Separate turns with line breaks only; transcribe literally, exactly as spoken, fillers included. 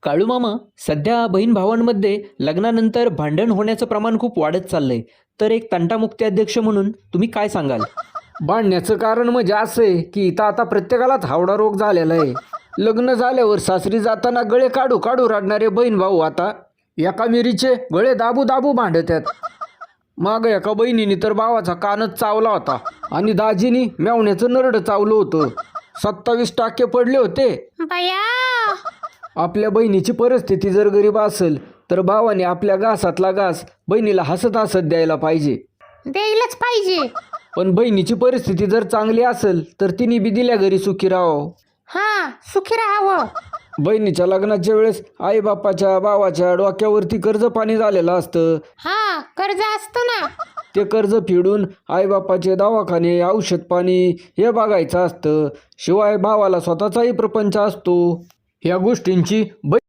काळू मामा, सध्या बहीण भावांमध्ये लग्नानंतर भांडण होण्याचं प्रमाण खूप वाढत चाललंय. तर एक तंटामुक्ती अध्यक्ष म्हणून तुम्ही काय सांगाल?
भांडण्याचं कारण म्हणजे असं आहे की इथं आता प्रत्येकालाच हावडा रोग झालेला आहे. लग्न झाल्यावर सासरी जाताना गळे काढू काढू रडणारे बहीण भाऊ आता एका मिरीचे गळे दाबू दाबू भांडतात. माग एका बहिणीने तर भावाचा कानच चावला होता आणि दाजीनी मेवण्याचं नरड चावलं होतं. सत्तावीस टाके पडले होते.
बया.
आपल्या बहिणीची परिस्थिती जर गरीब असेल तर भावाने आपल्या घासातला घास बहिणीला हसत हसत द्यायला पाहिजे.
द्यायलाच पाहिजे.
पण बहिणीची परिस्थिती जर चांगली असेल तर तिने बी दिल्या घरी सुखी राहावं.
हा, सुखी राहावं.
बहिणीच्या लग्नाच्या वेळेस आई बापाच्या भावाच्या डोक्यावरती कर्ज पाणी झालेलं असतं.
हा, कर्ज असतं ना.
ते कर्ज फेडून आई बापाचे दवाखाने औषध पाणी हे बघायचं असतं. शिवाय भावाला स्वतःचाही प्रपंच असतो. ह्या गोष्टींची